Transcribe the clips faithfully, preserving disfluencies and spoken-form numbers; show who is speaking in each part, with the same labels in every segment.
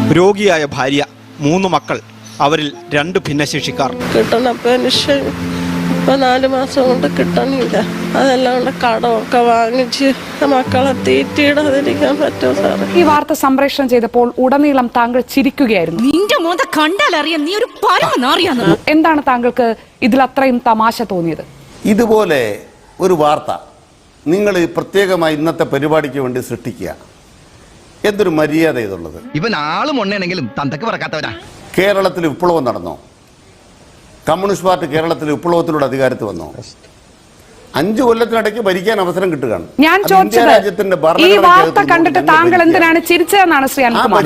Speaker 1: രോഗിയായ ഭാര്യ, മൂന്ന് മക്കൾ, അവരിൽ രണ്ട് ഭിന്നശേഷിക്കാർ.
Speaker 2: കിട്ടുന്ന പെൻഷൻ ഇപ്പൊ നാല് മാസം കൊണ്ട് കിട്ടണില്ല. അതെല്ലാം കൊണ്ട് കടമൊക്കെ വാങ്ങിച്ച് മക്കളെ തീറ്റിയിടാതിരിക്കാൻ പറ്റുമോ സാറേ?
Speaker 3: ഈ വാർത്ത സംപ്രേഷണം ചെയ്തപ്പോൾ ഉടനീളം താങ്കൾ ചിരിക്കുകയായിരുന്നു.
Speaker 4: നിന്റെ മോത കണ്ടാലറിയാം നീ ഒരു പരമനാറിയാന്ന്.
Speaker 3: എന്താണ് താങ്കൾക്ക് ഇതിൽ അത്രയും തമാശ തോന്നിയത്?
Speaker 5: ഇതുപോലെ ഒരു വാർത്ത നിങ്ങൾ പ്രത്യേകമായി ഇന്നത്തെ പരിപാടിക്ക് വേണ്ടി സൃഷ്ടിക്കുക, എന്തൊരു മര്യാദ ഇതുള്ളത്.
Speaker 6: ഇവൻ ആളും ഒണ്ണേണെങ്കിലും തന്തക്ക് പറക്കാത്തവരാ.
Speaker 5: കേരളത്തിൽ വിപ്ലവം നടന്നോ? കമ്മ്യൂണിസ്റ്റ് പാർട്ടി കേരളത്തിൽ വിപ്ലവത്തിലൂടെ അധികാരത്തിൽ വന്നോ? അഞ്ചു കൊല്ലത്തിനിടയ്ക്ക് ഭരിക്കാൻ അവസരം കിട്ടുകയാണ്.
Speaker 3: ഞാൻ ചോദിച്ചത് ഈ വാർത്ത കണ്ടിട്ട് താങ്കൾ എന്തിനാണ് ചിരിച്ചതെന്നാണ് ശ്രീ അനിൽകുമാർ.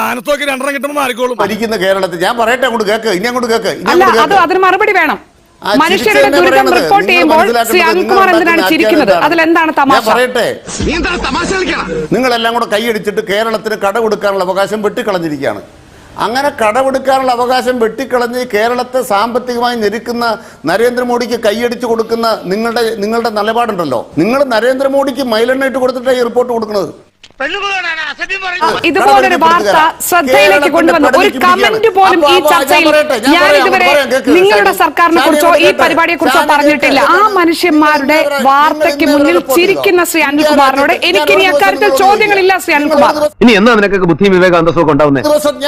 Speaker 5: ഭരിക്കുന്ന കേരളത്തിൽ ഞാൻ പറയട്ടെ, അങ്ങോട്ട് കേക്ക്, ഇനി അങ്ങോട്ട് കേക്ക്.
Speaker 3: അല്ല, അത് അതിന് മറുപടി വേണം. മനുഷ്യരുടെ ദുരിതം റിപ്പോർട്ട് ചെയ്യുമ്പോൾ ശ്രീ അനിൽകുമാർ എന്തിനാണ് ചിരിക്കുന്നത്? അതിലെന്താണ് തമാശ?
Speaker 5: പറയട്ടെ, നിങ്ങളെല്ലാം കൂടെ കൈയടിച്ചിട്ട് കേരളത്തിന് കടമെടുക്കാനുള്ള അവകാശം വെട്ടിക്കളഞ്ഞിരിക്കുകയാണ്. അങ്ങനെ കടമെടുക്കാനുള്ള അവകാശം വെട്ടിക്കളഞ്ഞ് കേരളത്തെ സാമ്പത്തികമായി ഞെരുക്കുന്ന നരേന്ദ്രമോദിക്ക് കൈയടിച്ചു കൊടുക്കുന്ന നിങ്ങളുടെ നിങ്ങളുടെ നിലപാടുണ്ടല്ലോ. നിങ്ങൾ നരേന്ദ്രമോദിക്ക് മൈലെണ്ണ ഇട്ട് കൊടുത്തിട്ടാണ് ഈ റിപ്പോർട്ട് കൊടുക്കുന്നത്.
Speaker 3: ഇതുപോലൊരു വാർത്ത ശ്രദ്ധയിലേക്ക് കൊണ്ടുവന്ന ഒരു കമന്റ് പോലും ഈ ചർച്ചയിൽ ഞാൻ ഇതുവരെ നിങ്ങളുടെ സർക്കാരിനെ കുറിച്ചോ ഈ പരിപാടിയെ കുറിച്ചോ പറഞ്ഞിട്ടില്ല. ആ മനുഷ്യന്മാരുടെ വാർത്തയ്ക്ക് മുന്നിൽ ചിരിക്കുന്ന ശ്രീ അനിൽകുമാറിനോട് എനിക്ക് ഇനി അക്കാര്യത്തിൽ ചോദ്യങ്ങളില്ല. ശ്രീ അനിൽകുമാർ,
Speaker 7: ഇനി എന്നാ നിനക്കൊക്കെ ബുദ്ധിയും വിവേകാന്തസവും ഉണ്ടാവുന്നത്?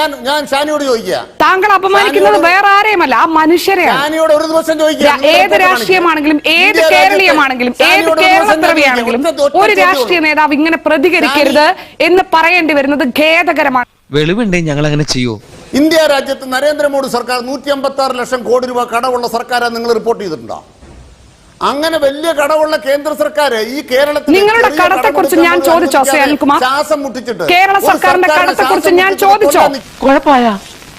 Speaker 3: താങ്കൾ അപമാനിക്കുന്നത് വേറെ ആരെയുമല്ല, ആ മനുഷ്യരെയാണ്. ഏത് രാഷ്ട്രീയമാണെങ്കിലും ഏത് കേരളീയമാണെങ്കിലും ഏത് കേരളപ്പിറവിയാണെങ്കിലും ഒരു രാഷ്ട്രീയ നേതാവ് ഇങ്ങനെ പ്രതികരിക്കരുത് എന്ന് പറയേണ്ടി വരുന്നത് ഖേദകരമാണ്.
Speaker 8: വെളിവുണ്ടേ ഞങ്ങൾ അങ്ങനെ ചെയ്യൂ.
Speaker 5: ഇന്ത്യ രാജ്യത്ത് നരേന്ദ്രമോദി സർക്കാർ നൂറ്റി അമ്പത്തി ആറ് ലക്ഷം കോടി രൂപ കടമുള്ള സർക്കാരാണ് നിങ്ങൾ റിപ്പോർട്ട് ചെയ്തിട്ടുണ്ടോ? അങ്ങനെ വലിയ കടമുള്ള കേന്ദ്ര സർക്കാർ ഈ കേരളത്തിൽ
Speaker 3: നിങ്ങളുടെ കടത്തെ കുറിച്ച് ഞാൻ ചോദിച്ചോ ശ്രീ അനിൽകുമാർ?
Speaker 5: ശ്വാസം മുട്ടിച്ചിട്ട്
Speaker 3: കേരള സർക്കാരിന്റെ കടത്തെ കുറിച്ച് ഞാൻ ചോദിച്ചോ? കുഴപ്പമായ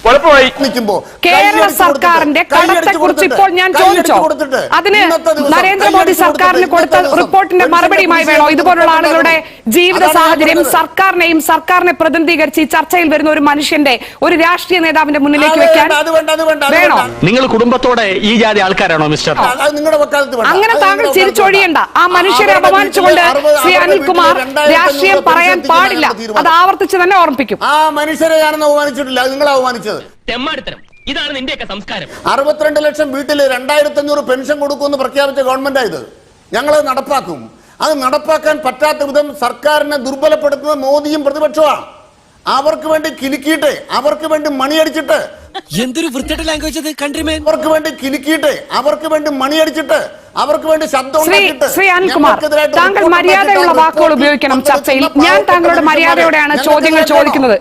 Speaker 3: കേരള സർക്കാരിന്റെ കടത്തെ കുറിച്ച് ഇപ്പോൾ ഞാൻ ചോദിച്ചോ? അതിന് നരേന്ദ്രമോദി സർക്കാരിന് കൊടുത്ത റിപ്പോർട്ടിന്റെ മറുപടിയുമായി വേണോ ഇതുപോലുള്ള ആളുകളുടെ ജീവിത സാഹചര്യം സർക്കാരിനെയും സർക്കാരിനെ പ്രതിനിധീകരിച്ച് ഈ ചർച്ചയിൽ വരുന്ന ഒരു മനുഷ്യന്റെ ഒരു രാഷ്ട്രീയ നേതാവിന്റെ മുന്നിലേക്ക് വെക്കാൻ വേണോ?
Speaker 7: നിങ്ങൾ കുടുംബത്തോടെ ഈ ജാതി ആൾക്കാരാണോ മിസ്റ്റർ?
Speaker 3: അങ്ങനെ താങ്കൾ ചിരിച്ചൊഴിയണ്ട. ആ മനുഷ്യരെ അപമാനിച്ചുകൊണ്ട് ശ്രീ അനിൽകുമാർ രാഷ്ട്രീയം പറയാൻ പാടില്ല. അത് ആവർത്തിച്ച് തന്നെ ഓർമ്മിപ്പിക്കും.
Speaker 5: ആ മനുഷ്യരെ ഞാനൊന്നും അവമാനിച്ചിട്ടില്ല, നിങ്ങൾ അവമാനിച്ചത്.
Speaker 8: ഇതാണ് നിന്റെയൊക്കെ സംസ്കാരം.
Speaker 5: അറുപത്തിരണ്ട് ലക്ഷം വീട്ടിൽ രണ്ടായിരത്തി അഞ്ഞൂറ് പെൻഷൻ കൊടുക്കുമെന്ന് പ്രഖ്യാപിച്ച ഗവൺമെന്റ് ആയത്. ഞങ്ങളത് നടപ്പാക്കും. അത് നടപ്പാക്കാൻ പറ്റാത്ത വിധം സർക്കാരിനെ ദുർബലപ്പെടുത്തുന്നത് മോദിയും പ്രതിപക്ഷമാണ്. അവർക്ക് വേണ്ടി കിലുക്കിയിട്ട് അവർക്ക് വേണ്ടി മണിയടിച്ചിട്ട്
Speaker 8: എന്തൊരു വൃത്തിയുടെ ലാംഗ്വേജ് അത് കൺട്രിമേൻ.
Speaker 5: അവർക്ക് വേണ്ടി കിലുക്കിയിട്ട് അവർക്ക് വേണ്ടി മണിയടിച്ചിട്ട് അവർക്ക് വേണ്ടി ശബ്ദം ഉണ്ടാക്കിയിട്ട്.
Speaker 3: ശ്രീ അനിൽകുമാർ, താങ്കൾ മര്യാദയുള്ള വാക്കുകൾ ഉപയോഗിക്കണം ചർച്ചയിൽ. ഞാൻ താങ്കളുടെ മര്യാദയോടെയാണ് ചോദ്യങ്ങൾ ചോദിക്കുന്നത്.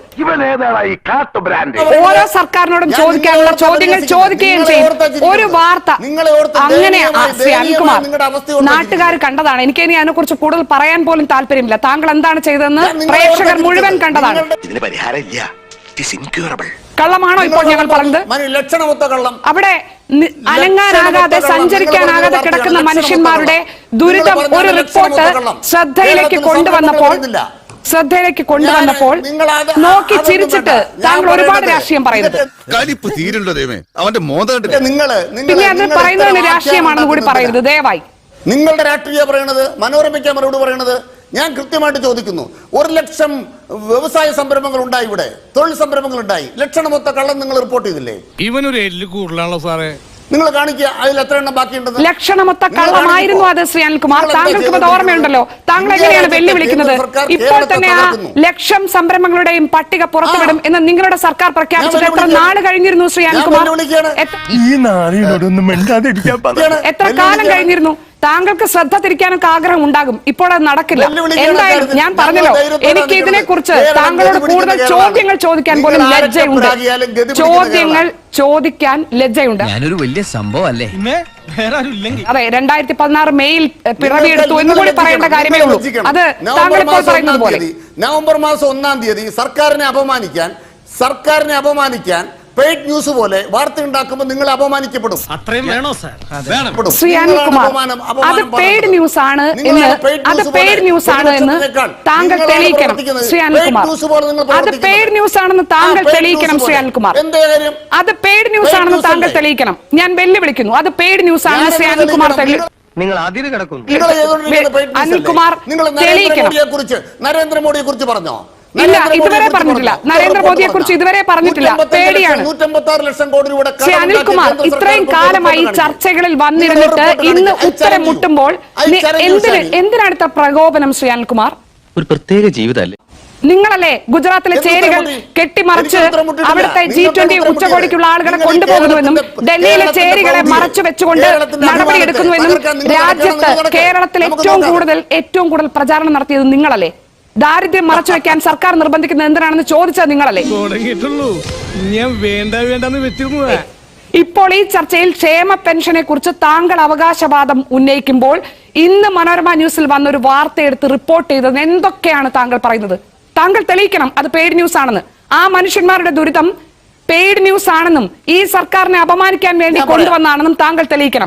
Speaker 3: ഓരോ സർക്കാരിനോടും ചോദിക്കാനുള്ള ചോദ്യങ്ങൾ ചോദിക്കുകയും ചെയ്യും. ഒരു വാർത്ത അങ്ങനെ ശ്രീ അനിൽകുമാർ നാട്ടുകാർ കണ്ടതാണ്. എനിക്ക് ഇനി അതിനെ കുറിച്ച് കൂടുതൽ പറയാൻ പോലും താല്പര്യമില്ല. താങ്കൾ എന്താണ് ചെയ്തതെന്ന് പ്രേക്ഷകർ മുഴുവൻ കണ്ടതാണ്. കള്ളമാണോ ഇപ്പോൾ ഞങ്ങൾ പറഞ്ഞത്? അവിടെ അനങ്ങാനാകാതെ സഞ്ചരിക്കാനാകാതെ കിടക്കുന്ന മനുഷ്യന്മാരുടെ ദുരിതം ഒരു റിപ്പോർട്ട് ശ്രദ്ധയിലേക്ക് കൊണ്ടുവന്നപ്പോൾ ശ്രദ്ധയിലേക്ക് കൊണ്ടുവന്നപ്പോൾ നോക്കി ചിരിച്ചിട്ട് താങ്കൾ ഒരുപാട് രാഷ്ട്രീയം പറയുന്നത്. പിന്നെ അത് പറയുന്നതിന് രാഷ്ട്രീയമാണെന്ന് കൂടി പറയരുത് ദയവായി.
Speaker 5: നിങ്ങളുടെ രാഷ്ട്രീയ പറയണത് മനോരമ ക്യാമറയോട് പറയണത് ഞാൻ കൃത്യമായിട്ട് ചോദിക്കുന്നു. ഒരു ലക്ഷം വ്യവസായ സംരംഭങ്ങൾ ഉണ്ടായി, ഇവിടെ തൊഴിൽ സംരംഭങ്ങൾ ഉണ്ടായി. ലക്ഷണമൊത്ത കള്ളം നിങ്ങൾ റിപ്പോർട്ട് ചെയ്തില്ലേ?
Speaker 9: ഇവനൊരു എല്ല് കൂടുതലാണല്ലോ സാറേ.
Speaker 5: നിങ്ങൾ കാണിക്കുക അതിൽ എത്ര എണ്ണം ബാക്കിയുണ്ടെന്ന്.
Speaker 3: ലക്ഷണമൊത്ത കള്ളമായിരുന്നു അത് ശ്രീ അനിൽകുമാർ. താങ്കൾക്ക് അത് ഓർമ്മയുണ്ടല്ലോ. താങ്കൾ എങ്ങനെയാണ് വെല്ലുവിളിക്കുന്നത്? ഇപ്പോൾ തന്നെ ആ ലക്ഷം സംരംഭങ്ങളുടെയും പട്ടിക പുറത്തുവിടും എന്ന് നിങ്ങളുടെ സർക്കാർ പ്രഖ്യാപിച്ചിട്ട് എത്ര നാട് കഴിഞ്ഞിരുന്നു ശ്രീ അനിൽകുമാർ? എത്ര കാലം കഴിഞ്ഞിരുന്നു? താങ്കൾക്ക് ശ്രദ്ധ തിരിക്കാനൊക്കെ ആഗ്രഹം ഉണ്ടാകും. ഇപ്പോൾ അത് നടക്കില്ല. എന്തായാലും ഞാൻ പറഞ്ഞല്ലോ, എനിക്ക് ഇതിനെ കുറിച്ച് താങ്കളോട് കൂടുതൽ ചോദ്യങ്ങൾ ചോദിക്കാൻ പോലും ലജ്ജയുണ്ട്. ചോദ്യങ്ങൾ ചോദിക്കാൻ ലജ്ജയുണ്ട്.
Speaker 8: ഞാനൊരു വലിയ സംഭവം അല്ലേ?
Speaker 3: അതെ, രണ്ടായിരത്തി പതിനാറ് മെയിൽ പിറവിയെടുത്തു എന്ന് കൂടി പറയേണ്ട കാര്യമേ ഉള്ളൂ. അത് താങ്കൾ ഇപ്പോൾ പറയുന്നത് പോലെ
Speaker 5: നവംബർ മാസം ഒന്നാം തീയതി സർക്കാരിനെ അപമാനിക്കാൻ സർക്കാരിനെ അപമാനിക്കാൻ പെയ്ഡ് ന്യൂസ് പോലെ വാർത്ത ഉണ്ടാക്കുമ്പോൾ നിങ്ങൾ അപമാനിക്കപ്പെടും.
Speaker 9: അത്രയും വേണോ സാർ?
Speaker 3: ശ്രീ അനിൽകുമാർ, അത് പെയ്ഡ് ന്യൂസ് ആണ് എന്ന് അത് പെയ്ഡ് ന്യൂസ് ആണ് എന്ന് താങ്കൾ തെളിയിക്കണം ശ്രീ അനിൽകുമാർ. അത് പെയ്ഡ് ന്യൂസ് ആണെന്ന് താങ്കൾ തെളിയിക്കണം ശ്രീ അനിൽകുമാർ. അത് പെയ്ഡ് ന്യൂസ് ആണെന്ന് താങ്കൾ തെളിയിക്കണം. ഞാൻ വെല്ലുവിളിക്കുന്നു. അത് പെയ്ഡ് ന്യൂസ് ആണെന്ന് ശ്രീ അനിൽകുമാർ തെളിയിക്കണം.
Speaker 7: നിങ്ങൾ അതിര് കിടക്കുന്നു.
Speaker 3: അനിൽകുമാർ തെളിയിക്കണം.
Speaker 5: നരേന്ദ്രമോദിയെ കുറിച്ച് നരേന്ദ്രമോദിയെ കുറിച്ച് പറഞ്ഞോ?
Speaker 3: ഇല്ല, ഇതുവരെ പറഞ്ഞിട്ടില്ല. നരേന്ദ്രമോദിയെ കുറിച്ച് ഇതുവരെ പറഞ്ഞിട്ടില്ല. പേടിയാണ്.
Speaker 5: ലക്ഷം കോടി രൂപയുടെ
Speaker 3: ശ്രീ അനിൽകുമാർ, ഇത്രയും കാലമായി ചർച്ചകളിൽ വന്നിരുന്നിട്ട് ഇന്ന് ഉത്തരം മുട്ടുമ്പോൾ എന്തിന് എന്തിനാണ് ഇത്ര പ്രകോപനം? ശ്രീ അനിൽകുമാർ,
Speaker 8: ഒരു പ്രത്യേക ജീവിതമല്ലേ
Speaker 3: നിങ്ങളല്ലേ ഗുജറാത്തിലെ ചേരികൾ കെട്ടിമറിച്ച് അവിടുത്തെ ജി ട്വന്റി ഉച്ചകോടിക്കുള്ള ആളുകളെ കൊണ്ടുപോകുന്നുവെന്നും ഡൽഹിയിലെ ചേരികളെ മറച്ചു വെച്ചുകൊണ്ട് നടപടിയെടുക്കുന്നുവെന്നും രാജ്യത്ത് കേരളത്തിൽ ഏറ്റവും കൂടുതൽ ഏറ്റവും കൂടുതൽ പ്രചാരണം നടത്തിയത് നിങ്ങളല്ലേ? ദാരിദ്ര്യം മറച്ചു വെക്കാൻ സർക്കാർ നിർബന്ധിക്കുന്നത് എന്തിനാണെന്ന് ചോദിച്ചത് നിങ്ങളല്ലേ?
Speaker 9: തുടങ്ങിയിട്ടുള്ളൂ, ഞാൻ വേണ്ട വേണ്ടെന്ന് വെച്ചിരുന്നതാ.
Speaker 3: ഇപ്പോൾ ഈ ചർച്ചയിൽ ക്ഷേമ പെൻഷനെ കുറിച്ച് താങ്കൾ അവകാശവാദം ഉന്നയിക്കുമ്പോൾ ഇന്ന് മനോരമ ന്യൂസിൽ വന്നൊരു വാർത്ത എടുത്ത് റിപ്പോർട്ട് ചെയ്തത് എന്തൊക്കെയാണ് താങ്കൾ പറയുന്നത്? താങ്കൾ തെളിയിക്കണം അത് പെയ്ഡ് ന്യൂസ് ആണെന്ന്. ആ മനുഷ്യന്മാരുടെ ദുരിതം പെയ്ഡ് ന്യൂസ് ആണെന്നും ഈ സർക്കാരിനെ അപമാനിക്കാൻ വേണ്ടി കൊണ്ടുവന്നാണെന്നും താങ്കൾ തെളിയിക്കണം.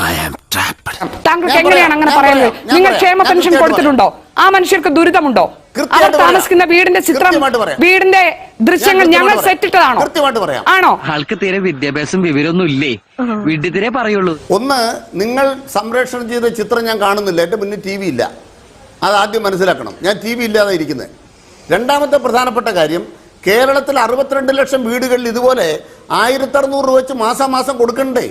Speaker 3: താങ്കൾക്ക് എങ്ങനെയാണ് അങ്ങനെ പറയുന്നത്? നിങ്ങൾ ക്ഷേമ പെൻഷൻ കൊടുത്തിട്ടുണ്ടോ? ആ മനുഷ്യർക്ക് ദുരിതമുണ്ടോ? അവർ താമസിക്കുന്ന വീടിന്റെ ചിത്രം, വീടിന്റെ ദൃശ്യങ്ങൾ ഞങ്ങൾ സെറ്റിട്ടതാണോ? ആണോ?
Speaker 8: ആൾക്ക് തീരെ വിദ്യാഭ്യാസം വിവരമൊന്നും ഇല്ലേ, വിഡ്ഢിത്തിരെ പറയുള്ളൂ.
Speaker 5: ഒന്ന്, നിങ്ങൾ സംപ്രേഷണം ചെയ്ത ചിത്രം ഞാൻ കാണുന്നില്ല, എന്റെ മുന്നിൽ ടി വി ഇല്ല. അത് ആദ്യം മനസ്സിലാക്കണം. ഞാൻ ടി വി ഇല്ലാതെ ഇരിക്കുന്നത്. രണ്ടാമത്തെ പ്രധാനപ്പെട്ട കാര്യം, കേരളത്തിൽ അറുപത്തിരണ്ട് ലക്ഷം വീടുകളിൽ ഇതുപോലെ ആയിരത്തി അറുന്നൂറ് രൂപ വെച്ച് മാസം മാസം കൊടുക്കണ്ടേ?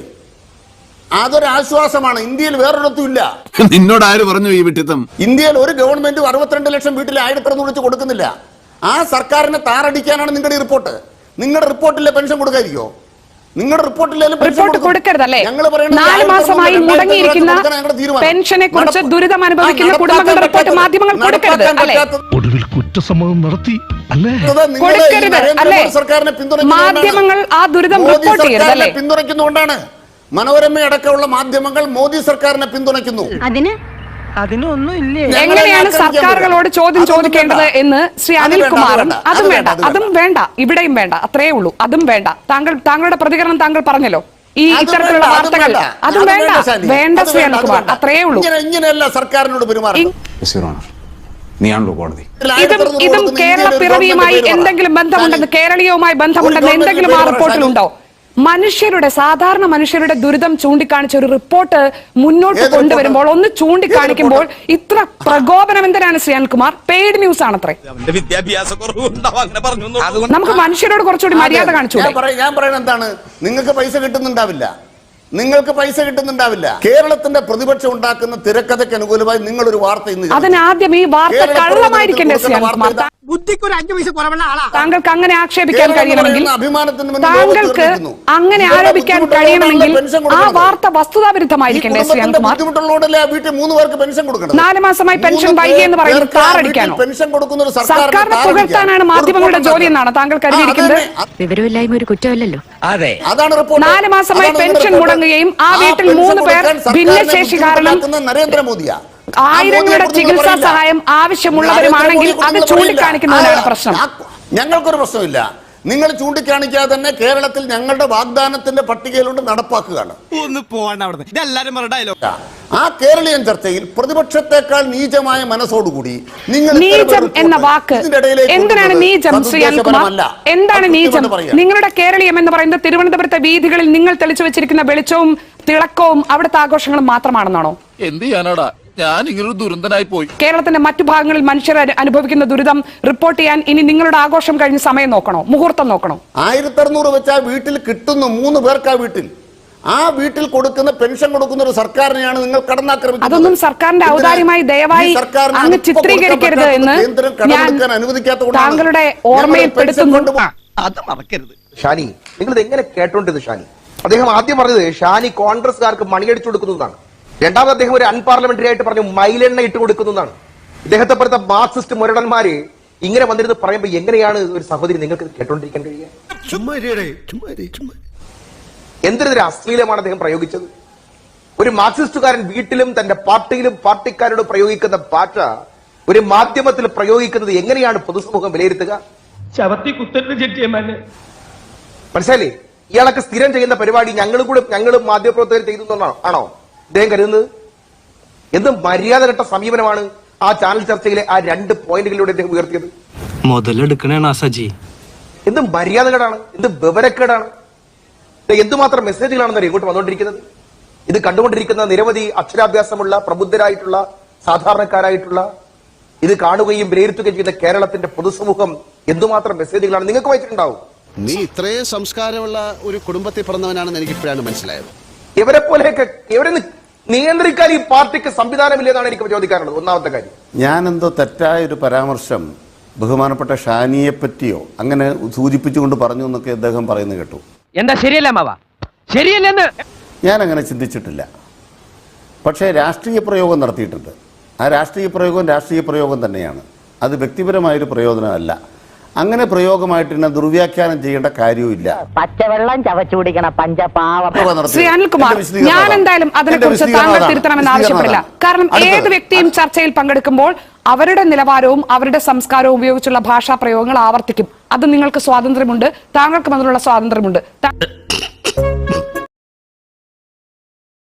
Speaker 5: അതൊരു ആശ്വാസമാണ്. ഇന്ത്യയിൽ വേറൊരിടത്തും ഇല്ല.
Speaker 10: നിന്നോട് ആര് പറഞ്ഞു ഈ വിട്ടിത്തം?
Speaker 5: ഇന്ത്യയിൽ ഒരു ഗവൺമെന്റും അറുപത്തിരണ്ട് ലക്ഷം വീട്ടിൽ ആയിരത്തി അറുന്നൂറ് വെച്ച് കൊടുക്കുന്നില്ല. ആ സർക്കാരിനെ താറടിക്കാനാണ് നിങ്ങളുടെ റിപ്പോർട്ട്. നിങ്ങളുടെ റിപ്പോർട്ടിലെ പെൻഷൻ കൊടുക്കാതിരിക്കോ? നിങ്ങളുടെ
Speaker 3: റിപ്പോർട്ട് കൊടുക്കരുതല്ലേ? നാല് മാസമായി മുടങ്ങിയിരിക്കുന്ന പെൻഷനെ കുറിച്ച് ദുരിതം അനുഭവിക്കുന്ന കുടുംബങ്ങളുടെ റിപ്പോർട്ട് മാധ്യമങ്ങൾ കൊടുക്കരുത് അല്ലേ?
Speaker 9: ഒടുവിൽ കുറ്റസമ്മതം നടത്തി അല്ലേ?
Speaker 3: കൊടുക്കരുത് അല്ലേ? മാധ്യമങ്ങൾ ആ ദുരിതം റിപ്പോർട്ട് ചെയ്യരുത് അല്ലേ?
Speaker 5: പിന്തുണയ്ക്കുന്നുകൊണ്ടാണ് മനോരമ അടക്കമുള്ള മാധ്യമങ്ങൾ മോദി സർക്കാരിനെ പിന്തുണയ്ക്കുന്നു.
Speaker 4: അതിന്
Speaker 3: അതിനൊന്നും ഇല്ലേ? എങ്ങനെയാണ് സർക്കാരുകളോട് ചോദ്യം ചോദിക്കേണ്ടത് എന്ന് ശ്രീ അനിൽകുമാറും അതും വേണ്ട അതും വേണ്ട ഇവിടെയും വേണ്ട, അത്രേ ഉള്ളൂ. അതും വേണ്ട. താങ്കൾ താങ്കളുടെ പ്രതികരണം താങ്കൾ പറഞ്ഞല്ലോ, ഈ ഇത്തരത്തിലുള്ള വാർത്തകൾ അതും വേണ്ട വേണ്ട ശ്രീ അനിൽകുമാർ, അത്രേ ഉള്ളൂ.
Speaker 5: ഇങ്ങനെയല്ല സർക്കാരിനോട് പെരുമാറുന്നത്.
Speaker 3: ഇതും ഇതും കേരള പിറവിയുമായി എന്തെങ്കിലും ബന്ധമുണ്ടെന്ന്, കേരളീയവുമായി ബന്ധമുണ്ടെന്ന് എന്തെങ്കിലും ആ റിപ്പോർട്ടിലുണ്ടോ? മനുഷ്യരുടെ സാധാരണ മനുഷ്യരുടെ ദുരിതം ചൂണ്ടിക്കാണിച്ച ഒരു റിപ്പോർട്ട് മുന്നോട്ട് കൊണ്ടുവരുമ്പോൾ ഒന്ന് ചൂണ്ടിക്കാണിക്കുമ്പോൾ ഇത്ര പ്രകോപനം എന്തിനാണ് ശ്രീ അനിൽകുമാർ? പെയ്ഡ് ന്യൂസ് ആണത്രേ. നമുക്ക് മനുഷ്യരോട് കുറച്ചുകൂടി മര്യാദ കാണിച്ചു.
Speaker 5: ഞാൻ പറയുന്നത് എന്താണ്, നിങ്ങൾക്ക് പൈസ കിട്ടുന്നുണ്ടാവില്ല, നിങ്ങൾക്ക് പൈസ കിട്ടുന്നുണ്ടാവില്ല. കേരളത്തിന്റെ പ്രതിപക്ഷം ഉണ്ടാക്കുന്ന തിരക്കഥയ്ക്ക് അനുകൂലമായി നിങ്ങൾ ഒരു വാർത്ത ഇന്ന്,
Speaker 3: അതിനാദ്യം ഈ വാർത്ത കള്ളമായിരിക്കണ്ടേ ശ്രീ അനിൽകുമാർ? താങ്കൾക്ക് അങ്ങനെ ആക്ഷേപിക്കാൻ കഴിയണമെങ്കിൽ, താങ്കൾക്ക് അങ്ങനെ ആരോപിക്കാൻ കഴിയണമെങ്കിൽ ആ വാർത്ത വസ്തുതാവിരുദ്ധമായിരിക്കണ്ടേ ശ്രീ അനിൽകുമാർ? നാല് മാസമായി പെൻഷൻ വൈകിയെന്ന് പറയുന്നത് താറടിക്കാനോ? സർക്കാരിനെ പുകഴ്ത്താനാണ് മാധ്യമങ്ങളുടെ ജോലി എന്നാണ് താങ്കൾ കരുതിയിരിക്കുന്നത്?
Speaker 4: വിവരമില്ലായ്മ ഒരു കുറ്റമല്ലല്ലോ.
Speaker 5: അതെ, അതാണ്
Speaker 3: നാല് മാസമായി പെൻഷൻ മുടങ്ങുകയും ആ വീട്ടിൽ മൂന്ന് പേർ ഭിന്നശേഷി കാരണം
Speaker 5: നരേന്ദ്രമോദിയാ
Speaker 3: ആയിരങ്ങളുടെ ചികിത്സാ സഹായം ആവശ്യമുള്ളവരുമാണെങ്കിൽ അത് ചൂണ്ടിക്കാണിക്കുന്നതിനാണ് പ്രശ്നം.
Speaker 5: ഞങ്ങൾക്കൊരു പ്രശ്നമില്ല. നിങ്ങൾ ചൂണ്ടിക്കാണിക്കാതെ തന്നെ കേരളത്തിൽ ഞങ്ങളുടെ വാഗ്ദാനത്തിന്റെ പട്ടികയിലുണ്ട്, നടപ്പാക്കുകയാണ്. ആ കേരളീയൻ ചർച്ചയിൽ പ്രതിപക്ഷത്തെക്കാൾ നീചമായ മനസ്സോടുകൂടി നിങ്ങൾ
Speaker 3: നീചം എന്ന വാക്ക് എന്തിനാണ് നീചം ശ്രീ അനിൽകുമാർ? എന്താണ് നീചം? നിങ്ങളുടെ കേരളീയം എന്ന് പറയുന്നത് തിരുവനന്തപുരത്തെ വീഥികളിൽ നിങ്ങൾ തെളിച്ചു വെച്ചിരിക്കുന്ന വെളിച്ചവും തിളക്കവും അവിടുത്തെ ആഘോഷങ്ങളും മാത്രമാണെന്നാണോ?
Speaker 10: എന്ത് ചെയ്യാനാടാ, ഞാൻ ഇങ്ങനൊരു ദുരന്തനായി പോയി.
Speaker 3: കേരളത്തിന്റെ മറ്റു ഭാഗങ്ങളിൽ മനുഷ്യർ അനുഭവിക്കുന്ന ദുരിതം റിപ്പോർട്ട് ചെയ്യാൻ ഇനി നിങ്ങളുടെ ആഘോഷം കഴിഞ്ഞ് സമയം നോക്കണോ, മുഹൂർത്തം നോക്കണോ?
Speaker 5: ആയിരത്തി അറുന്നൂറ് വെച്ച് ആ വീട്ടിൽ കിട്ടുന്നു, മൂന്ന് പേർക്ക് ആ വീട്ടിൽ ആ വീട്ടിൽ കൊടുക്കുന്ന പെൻഷൻ കൊടുക്കുന്ന ഒരു സർക്കാരിനെയാണ് നിങ്ങൾ കടന്നാക്രമിക്കുന്നത്.
Speaker 3: അതൊന്നും സർക്കാരിന്റെ ഔദാര്യമായി ദയവായി അങ്ങ് ചിത്രീകരിക്കരുത് എന്ന് ഞാൻ താങ്കളുടെ ഓർമ്മയിൽ പെടുത്തുന്നുണ്ട്.
Speaker 7: അത് മറക്കരുത്.
Speaker 6: ഷാനി, നിങ്ങൾ എങ്ങനെ കേട്ടോണ്ടിരുന്നു? ഷാനി അദ്ദേഹം ആദ്യം പറഞ്ഞത് ഷാനി കോൺഗ്രസ്സുകാർക്ക് മണിയടിച്ചു കൊടുക്കുന്നതാണ്. രണ്ടാമത് അദ്ദേഹം ഒരു അൺപാർലമെന്ററി ആയിട്ട് പറഞ്ഞു മൈലെണ്ണ ഇട്ട് കൊടുക്കുന്നതാണ്. ഇദ്ദേഹത്തെ പോലത്തെ മാർക്സിസ്റ്റ് മുരടന്മാര് ഇങ്ങനെ വന്നിരുന്ന് പറയുമ്പോൾ എങ്ങനെയാണ് ഒരു സഹോദരി നിങ്ങൾക്ക് കേട്ടോണ്ടിരിക്കാൻ കഴിയുക? എന്തിനെതിരെ അശ്ലീലമാണ് അദ്ദേഹം പ്രയോഗിച്ചത്? ഒരു മാർക്സിസ്റ്റുകാരൻ വീട്ടിലും തന്റെ പാർട്ടിയിലും പാർട്ടിക്കാരോട് പ്രയോഗിക്കുന്ന ഭാഷ ഒരു മാധ്യമത്തിൽ പ്രയോഗിക്കുന്നത് എങ്ങനെയാണ് പൊതുസമൂഹം വിലയിരുത്തുക? മനസ്സിലായില്ലേ? ഇയാളൊക്കെ സ്ഥിരം ചെയ്യുന്ന പരിപാടി ഞങ്ങളും കൂടെ ഞങ്ങളും മാധ്യമപ്രവർത്തകർ ചെയ്തു ആണോ അദ്ദേഹം കരുതുന്നത്? എന്ത് മര്യാദഘട്ട സമീപനമാണ് ആ ചാനൽ ചർച്ചയിലെ ആ രണ്ട് പോയിന്റുകളിലൂടെ അദ്ദേഹം ഉയർത്തിയത്?
Speaker 8: മുതലെടുക്കണേ സജി.
Speaker 6: എന്ത് മര്യാദകേടാണ്, എന്ത് വിവരക്കേടാണ്, എന്തുമാത്രം മെസ്സേജുകളാണെന്നറിയോ ഇങ്ങോട്ട് വന്നുകൊണ്ടിരിക്കുന്നത്? ഇത് കണ്ടുകൊണ്ടിരിക്കുന്ന നിരവധി അക്ഷരാഭ്യാസമുള്ള പ്രബുദ്ധരായിട്ടുള്ള സാധാരണക്കാരായിട്ടുള്ള ഇത് കാണുകയും വിലയിരുത്തുകയും ചെയ്ത കേരളത്തിന്റെ പൊതുസമൂഹം എന്തുമാത്രം മെസ്സേജുകളാണ് നിങ്ങൾക്ക് വായിച്ചിട്ടുണ്ടാവും.
Speaker 10: നീ ഇത്രയും സംസ്കാരമുള്ള ഒരു കുടുംബത്തിൽ പിറന്നവനാണെന്ന് എനിക്ക് ഇപ്പോഴാണ് മനസ്സിലായത്.
Speaker 6: ഇവരെ പോലെയൊക്കെ ഇവരെ നിയന്ത്രിക്കാൻ ഈ പാർട്ടിക്ക് സംവിധാനമില്ലെന്നാണ് എനിക്ക് ചോദിക്കാനുള്ളത്. ഒന്നാമത്തെ കാര്യം,
Speaker 5: ഞാനെന്തോ തെറ്റായ ഒരു പരാമർശം ബഹുമാനപ്പെട്ട ഷാനിയെ പറ്റിയോ അങ്ങനെ സൂചിപ്പിച്ചുകൊണ്ട് പറഞ്ഞു എന്നൊക്കെ അദ്ദേഹം പറയുന്നത് കേട്ടു.
Speaker 7: എന്താ ശരിയല്ല മാവ? ശരിയല്ലെന്ന്
Speaker 5: ഞാൻ അങ്ങനെ ചിന്തിച്ചിട്ടില്ല. പക്ഷേ രാഷ്ട്രീയ പ്രയോഗം നടത്തിയിട്ടുണ്ട്. ആ രാഷ്ട്രീയ പ്രയോഗം രാഷ്ട്രീയ പ്രയോഗം തന്നെയാണ്. അത് വ്യക്തിപരമായൊരു പ്രയോജനമല്ല. അങ്ങനെ പ്രയോഗമായിട്ട് തന്നെ ദുർവ്യാഖ്യാനം ചെയ്യേണ്ട കാര്യവുമില്ല.
Speaker 11: പച്ചവെള്ളം ചവച്ചു കുടിക്കണ പഞ്ചപാവം.
Speaker 3: ശ്രീ അനിൽകുമാർ, ഞാൻ എന്തായാലും അതിനെക്കുറിച്ച് താങ്കൾ തിരുത്തണമെന്ന് ആവശ്യപ്പെടില്ല. കാരണം ഏത് വ്യക്തിയും ചർച്ചയിൽ പങ്കെടുക്കുമ്പോൾ അവരുടെ നിലവാരവും അവരുടെ സംസ്കാരവും ഉപയോഗിച്ചുള്ള ഭാഷാ പ്രയോഗങ്ങൾ ആവർത്തിക്കും. അത് നിങ്ങൾക്ക് സ്വാതന്ത്ര്യമുണ്ട്, താങ്കൾക്കും അതിനുള്ള സ്വാതന്ത്ര്യമുണ്ട്.